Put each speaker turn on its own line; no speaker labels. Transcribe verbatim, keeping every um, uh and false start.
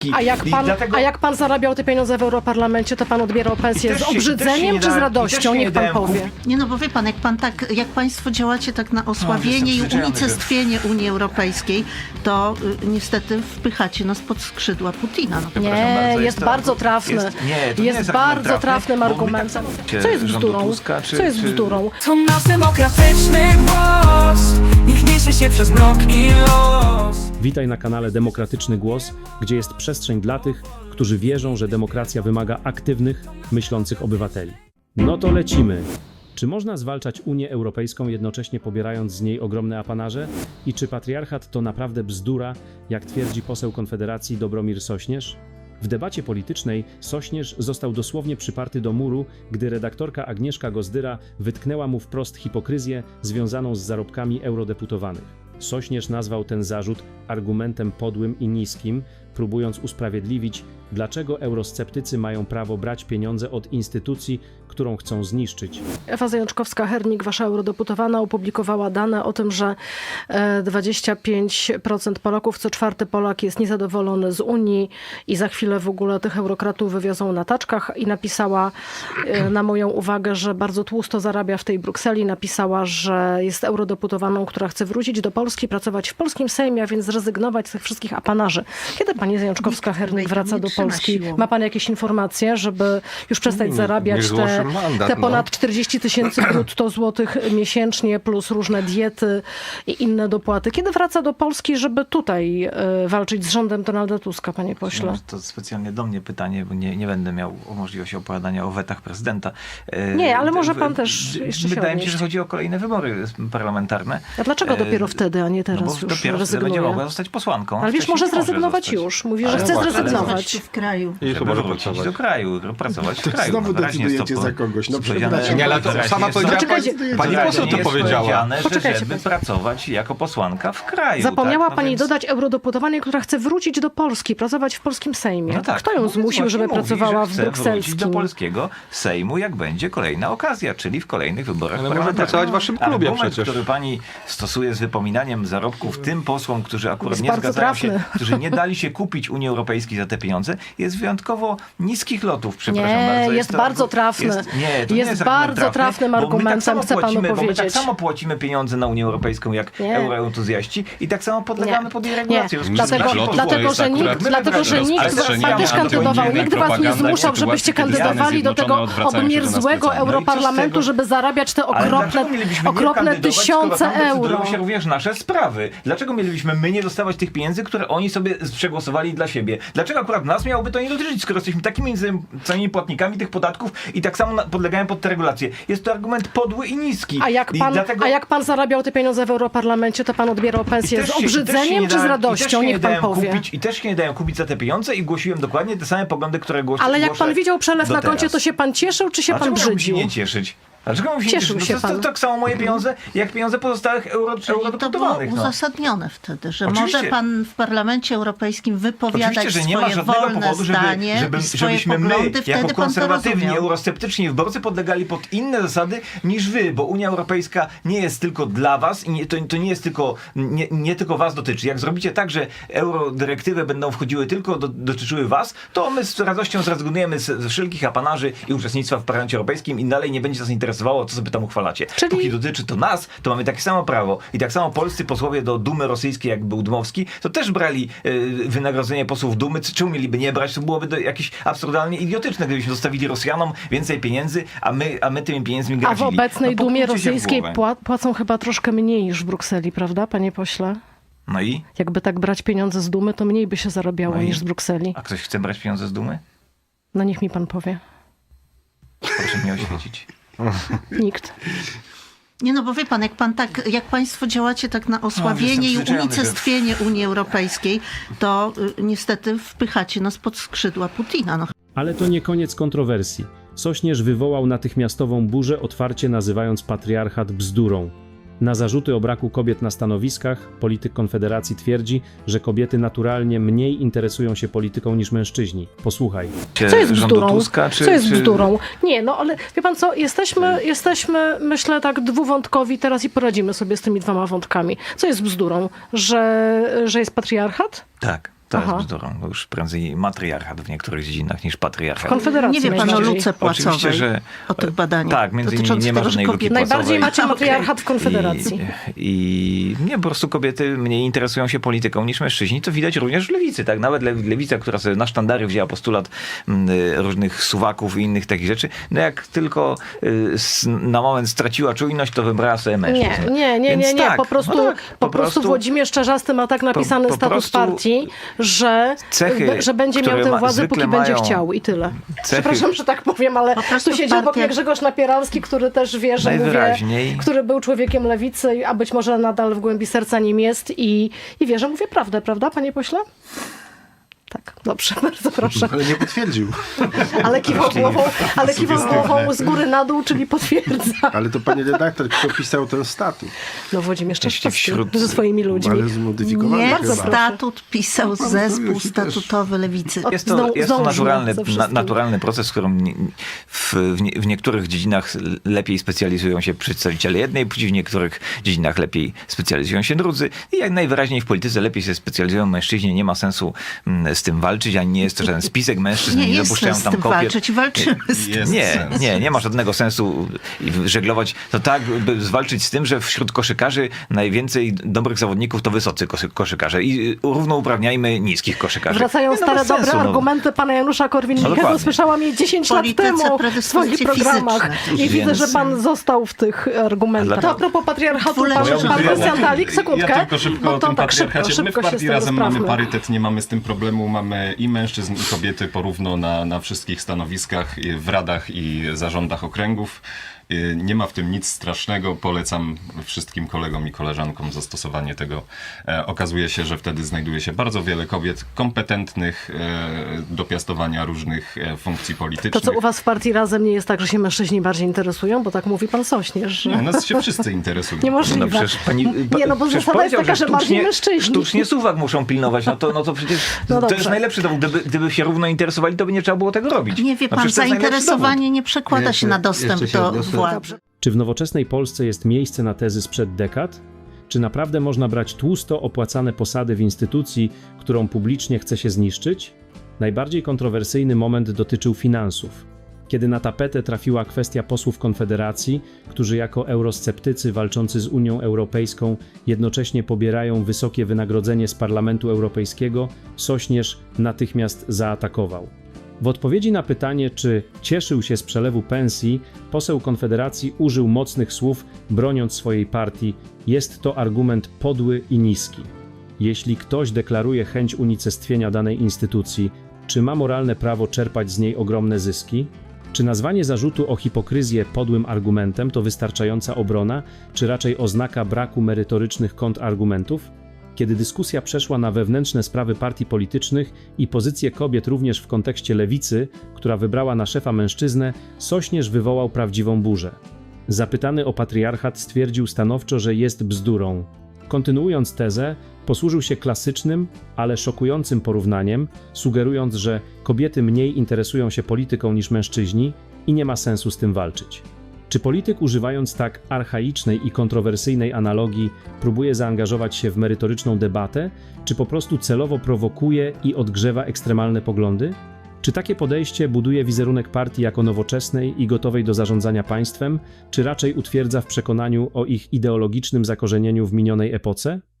A jak, pan,
dlatego...
a jak pan zarabiał te pieniądze w Europarlamencie, to pan odbierał pensję z obrzydzeniem czy z radością? Niech pan powie.
Nie no, bo wie pan, jak pan tak, jak państwo działacie tak na osłabienie i unicestwienie Unii Europejskiej, to y, niestety wpychacie nas pod skrzydła Putina. No.
Nie,
bardzo,
jest,
jest to-
bardzo trafny.
jest- nie, to nie
jest
jest
bardzo
argument
trafnym
trafny, bo my tak
argumentem.
samo-
Co jest
rządu
bzdurą?
Tuska, czy-
Co jest
czy-
bzdurą?
To nasz demokratyczny głos, niech niesie się przez mrok i los.
Witaj na kanale Demokratyczny Głos, gdzie jest przestrzeń dla tych, którzy wierzą, że demokracja wymaga aktywnych, myślących obywateli. No to lecimy! Czy można zwalczać Unię Europejską, jednocześnie pobierając z niej ogromne apanarze? I czy patriarchat to naprawdę bzdura, jak twierdzi poseł Konfederacji Dobromir Sośnierz? W debacie politycznej Sośnierz został dosłownie przyparty do muru, gdy redaktorka Agnieszka Gozdyra wytknęła mu wprost hipokryzję związaną z zarobkami eurodeputowanych. Sośnierz nazwał ten zarzut argumentem podłym i niskim, próbując usprawiedliwić, dlaczego eurosceptycy mają prawo brać pieniądze od instytucji, którą chcą zniszczyć.
Ewa Zajączkowska-Hernik, wasza eurodeputowana, opublikowała dane o tym, że dwadzieścia pięć procent Polaków, co czwarty Polak jest niezadowolony z Unii i za chwilę w ogóle tych eurokratów wywiozą na taczkach i napisała na moją uwagę, że bardzo tłusto zarabia w tej Brukseli. Napisała, że jest eurodeputowaną, która chce wrócić do Polski, pracować w polskim Sejmie, a więc zrezygnować z tych wszystkich apanarzy. Kiedy pani Zajączkowska-Hernik wraca do Polski? Ma pan jakieś informacje, żeby już przestać zarabiać te
Mandat,
Te ponad
no.
czterdzieści tysięcy brutto złotych miesięcznie, plus różne diety i inne dopłaty. Kiedy wraca do Polski, żeby tutaj y, walczyć z rządem Donalda Tuska, panie pośle?
To specjalnie do mnie pytanie, bo nie, nie będę miał możliwości opowiadania o wetach prezydenta. E,
Nie, ale może
w-
pan też jeszcze się
Wydaje mi się,
odnieść.
że chodzi o kolejne wybory parlamentarne.
A dlaczego
E,
dopiero wtedy, a nie
No
teraz
bo
już
dopiero wtedy będzie
rezygnuje?
mogła zostać posłanką.
Ale wiesz,
Wcześniej
może
nie może
zrezygnować
zostać.
już. Mówi, że
Ale
chce
właśnie,
zrezygnować.
w kraju.
I
Żeby
może
wrócić
pracować.
do kraju, pracować w kraju.
Znowu
No, wyraźnie jest
decydujecie
to
za kogoś. No
powiedziane-
przepraszam. Nie, ale to
wyraźnie
sama
jest
powiedziała,
Poczekajcie,
pani
wyraźnie
poseł to
jest
powiedziała.
powiedziane, że
Poczekajcie
żeby
państwo.
pracować jako posłanka w kraju.
Zapomniała
tak? No
pani
więc-
dodać eurodeputowanej, która chce wrócić do Polski, pracować w polskim Sejmie.
No tak.
Kto ją
No więc
zmusił, żeby
właśnie mówi,
pracowała
że
w
chce wrócić do
brukselskim?
polskiego Sejmu, jak będzie kolejna okazja, czyli w kolejnych wyborach
Ale może
parlamentarnych.
pracować w waszym klubie
Argument,
przecież.
który pani stosuje z wypominaniem zarobków tym posłom, którzy akurat
Jest
nie
bardzo
zgadzają
trafny.
się, którzy nie dali się kupić Unii Europejskiej za te pieniądze, jest wyjątkowo niskich lotów, przepraszam
Nie,
bardzo.
jest
to
bardzo
argu-
trafny.
Jest, nie, to
Jest
nie jest
bardzo
argument
trafnym
bo my
argumentem,
tak samo
chcę panu
płacimy, Bo my tak
powiedzieć.
samo płacimy pieniądze na Unię Europejską, jak
Nie.
euroentuzjaści i tak samo podlegamy
Nie.
pod jej
Nie,
regulację.
dlatego,
Lotów
dlatego,
jest
że
akurat
nikt, dlatego, że nikt
rozprzestrzeniania
pan też kandydował,
antyunijnej
nikt was nie
propagandy,
zmuszał, żebyście kandydowali do tego obmierzłego europarlamentu,
No
żeby zarabiać te
Ale
okropne,
dlaczego mielibyśmy nie
okropne
kandydować,
tysiące
skoro tam
euro.
decydują się również nasze sprawy? Dlaczego mielibyśmy my nie dostawać tych pieniędzy, które oni sobie przegłosowali dla siebie? Dlaczego akurat nas miałoby to nie dotyczyć, skoro jesteśmy takimi samymi płatnikami tych podatków i tak samo na- podlegają pod te regulacje? Jest to argument podły i niski.
A jak,
I
pan,
dlatego...
a jak pan zarabiał te pieniądze w Europarlamencie, to pan odbierał
I
pensję
też
z
się- i też się
obrzydzeniem
nie
czy z
dałem- i też
radością?
się nie
Niech pan
dałem
powie.
Kupić, I też się nie dałem kupić za te pieniądze i głosiłem dokładnie te same poglądy, które głosi,
Ale jak
głoszę
pan widział przelew
do
na koncie,
teraz.
to się pan cieszył, czy się
A
pan
dlaczego miałbym się
brzydził?
nie cieszyć? Dlaczego miałbym się
Cieszył
nie cieszyć?
się
No to, to,
pan.
to tak samo moje pieniądze, jak pieniądze pozostałych euro,
Czyli to było
eurodeputowanych. No.
uzasadnione wtedy, że
Oczywiście.
może pan w Parlamencie Europejskim wypowiadać
Oczywiście, że nie ma
swoje
żadnego
wolne
powodu, żeby,
zdanie
żeby,
i swoje
żebyśmy my,
poglądy,
jako
wtedy pan to
konserwatywni,
rozumiał.
eurosceptyczni wyborcy podlegali pod inne zasady niż wy, bo Unia Europejska nie jest tylko dla was i nie, to, to nie jest tylko, nie, nie tylko was dotyczy. Jak zrobicie tak, że eurodyrektywy będą wchodziły tylko, do, dotyczyły was, to my z radością zrezygnujemy z, z wszelkich apanarzy i uczestnictwa w Parlamencie Europejskim i dalej nie będzie nas interesowało, co sobie tam uchwalacie.
Czyli-
Póki dotyczy to nas, to mamy takie samo prawo. I tak samo polscy posłowie do Dumy rosyjskiej, jak był Dmowski, to też brali y, wynagrodzenie posłów Dumy. Czemu mieliby nie brać? To byłoby do, jakieś absurdalnie idiotyczne, gdybyśmy zostawili Rosjanom więcej pieniędzy, a my, a my tymi pieniędzmi
A w
gradzili.
obecnej
No,
Dumie
puknijcie się w
rosyjskiej
głowę.
pła- płacą chyba troszkę mniej niż w Brukseli, prawda, panie pośle?
No i?
Jakby tak brać pieniądze z Dumy, to mniej by się zarabiało
No i?
niż z Brukseli.
A ktoś chce brać pieniądze z Dumy?
No niech mi pan powie.
Proszę mnie oświecić.
Nikt.
Nie no, bo wie pan, jak pan tak, jak państwo działacie tak na osłabienie
jestem
i
przyzwyczajony,
unicestwienie Unii Europejskiej, to y, niestety wpychacie nas pod skrzydła Putina. No.
Ale to nie koniec kontrowersji. Sośnierz wywołał natychmiastową burzę, otwarcie nazywając patriarchat bzdurą. Na zarzuty o braku kobiet na stanowiskach polityk Konfederacji twierdzi, że kobiety naturalnie mniej interesują się polityką niż mężczyźni. Posłuchaj.
Co jest
Rządu
bzdurą?
Tuska, czy,
co jest
czy...
bzdurą? Nie, no ale wie pan co, jesteśmy, jesteśmy, myślę, tak dwuwątkowi teraz i poradzimy sobie z tymi dwoma wątkami. Co jest bzdurą? Że, że jest patriarchat?
Tak. To
Aha.
jest bzdurą. To już prędzej matriarchat w niektórych dziedzinach niż patriarchat.
Konfederacji
Nie wie pan o
najbardziej.
luce płacowej,
Oczywiście, że-
o tych badaniach
Tak, między innymi
dotyczących
nie ma
tego, że
żadnej luki
kobiety...
płacowej.
Najbardziej macie
Okej.
matriarchat w Konfederacji.
I, I nie, po prostu kobiety mniej interesują się polityką niż mężczyźni. To widać również w lewicy. Tak? Nawet le, lewica, która sobie na sztandary wzięła postulat m, różnych suwaków i innych takich rzeczy, no jak tylko y, s, na moment straciła czujność, to wybrała sobie mężczyzn.
Nie, nie, nie,
Więc
nie, nie.
tak,
po prostu,
no tak,
po prostu Włodzimierz Czarzasty ma tak napisany
po
status
prostu
partii, że,
cechy,
że będzie miał
które
tę
ma-
władzę,
zwykle
póki będzie
mają
chciał i tyle.
cechy-
Przepraszam, że tak powiem, ale
Po prostu
tu siedzi obok
partia-
mnie Grzegorz Napieralski, który też wie, że mówię,
Najwyraźniej.
który był człowiekiem lewicy, a być może nadal w głębi serca nim jest i, i wie, że mówię prawdę, prawda, panie pośle? Tak, dobrze, bardzo proszę.
Ale nie potwierdził.
Ale kiwał głową, ale kiwał głową z góry na dół, czyli potwierdza.
Ale to pani redaktor, kto pisał ten statut?
No Włodzimierz Czarzasty
wśród-
ze swoimi ludźmi.
Ale zmodyfikowany
Nie,
chyba.
statut pisał zespół
Już i też.
statutowy lewicy.
O,
Jest to,
Zdąż-
jest to
zdążmy
naturalny,
ze
na,
wszystkim.
naturalny proces, w którym nie- w, w, nie, w niektórych dziedzinach lepiej specjalizują się przedstawiciele jednej płci, w niektórych dziedzinach lepiej specjalizują się drudzy i jak najwyraźniej w polityce lepiej się specjalizują mężczyźni. Nie ma sensu mm, z tym walczyć, ani nie jest to żaden spisek mężczyzn,
Nie
nie,
jest
dopuszczają
sens z
tam
tym
kobiet.
walczyć i walczymy z tym.
Jest
Nie,
sens.
nie, nie ma żadnego sensu żeglować. To tak, by zwalczyć z tym, że wśród koszykarzy najwięcej dobrych zawodników to wysocy kosy- koszykarze i równouprawniajmy niskich koszykarzy.
Wracają
Nie, no
stare
bez sensu,
dobre
no.
argumenty pana Janusza
No
Korwin-Mikkego.
dokładnie.
Słyszałam je dziesięć lat
Polityce
temu w swoich
predyspozycje
programach.
fizyczne.
I widzę,
Więc-
że pan został w tych argumentach.
Dlatego-
To a propos patriarchatu, pan,
Dwuletnie
pan
życie.
Krystian Dalik, sekundkę.
Ja tylko szybko
bo
o
to
tym
tak szybko,
patriarchacie. My w
szybko się z
partii
tym
Razem mamy
rozprawmy.
parytet, nie mamy z tym problemu. Mamy i mężczyzn, i kobiety porówno na, na wszystkich stanowiskach, i w radach i zarządach okręgów. Y, Nie ma w tym nic strasznego. Polecam wszystkim kolegom i koleżankom zastosowanie tego. E, okazuje się, że wtedy znajduje się bardzo wiele kobiet kompetentnych e, do piastowania różnych e, funkcji
To
politycznych.
co u was w partii Razem nie jest tak, że się mężczyźni bardziej interesują? Bo tak mówi pan Sośnierz, że...
Nie, nas się wszyscy interesują.
Niemożliwe.
No przecież pani,
Nie, no bo
przecież
zasada jest
powiedział,
taka, że bardziej
sztucznie,
mężczyźni.
sztucznie suwak muszą pilnować. No to, no to przecież
No
to
dobrze.
jest najlepszy dowód. Gdyby, gdyby się równo interesowali, to by nie trzeba było tego robić.
Nie wie
No
pan,
przecież to jest najlepszy
zainteresowanie nie przekłada
Jeszcze-
się na dostęp
jeszcze się
do
odniosę.
władzy.
Czy w nowoczesnej Polsce jest miejsce na tezy sprzed dekad? Czy naprawdę można brać tłusto opłacane posady w instytucji, którą publicznie chce się zniszczyć? Najbardziej kontrowersyjny moment dotyczył finansów, kiedy na tapetę trafiła kwestia posłów Konfederacji, którzy jako eurosceptycy walczący z Unią Europejską jednocześnie pobierają wysokie wynagrodzenie z Parlamentu Europejskiego, Sośnierz natychmiast zaatakował. W odpowiedzi na pytanie, czy cieszył się z przelewu pensji, poseł Konfederacji użył mocnych słów, broniąc swojej partii: jest to argument podły i niski. Jeśli ktoś deklaruje chęć unicestwienia danej instytucji, czy ma moralne prawo czerpać z niej ogromne zyski? Czy nazwanie zarzutu o hipokryzję podłym argumentem to wystarczająca obrona, czy raczej oznaka braku merytorycznych kontrargumentów? Kiedy dyskusja przeszła na wewnętrzne sprawy partii politycznych i pozycję kobiet również w kontekście lewicy, która wybrała na szefa mężczyznę, Sośnierz wywołał prawdziwą burzę. Zapytany o patriarchat stwierdził stanowczo, że jest bzdurą. Kontynuując tezę, posłużył się klasycznym, ale szokującym porównaniem, sugerując, że kobiety mniej interesują się polityką niż mężczyźni i nie ma sensu z tym walczyć. Czy polityk, używając tak archaicznej i kontrowersyjnej analogii, próbuje zaangażować się w merytoryczną debatę, czy po prostu celowo prowokuje i odgrzewa ekstremalne poglądy? Czy takie podejście buduje wizerunek partii jako nowoczesnej i gotowej do zarządzania państwem, czy raczej utwierdza w przekonaniu o ich ideologicznym zakorzenieniu w minionej epoce?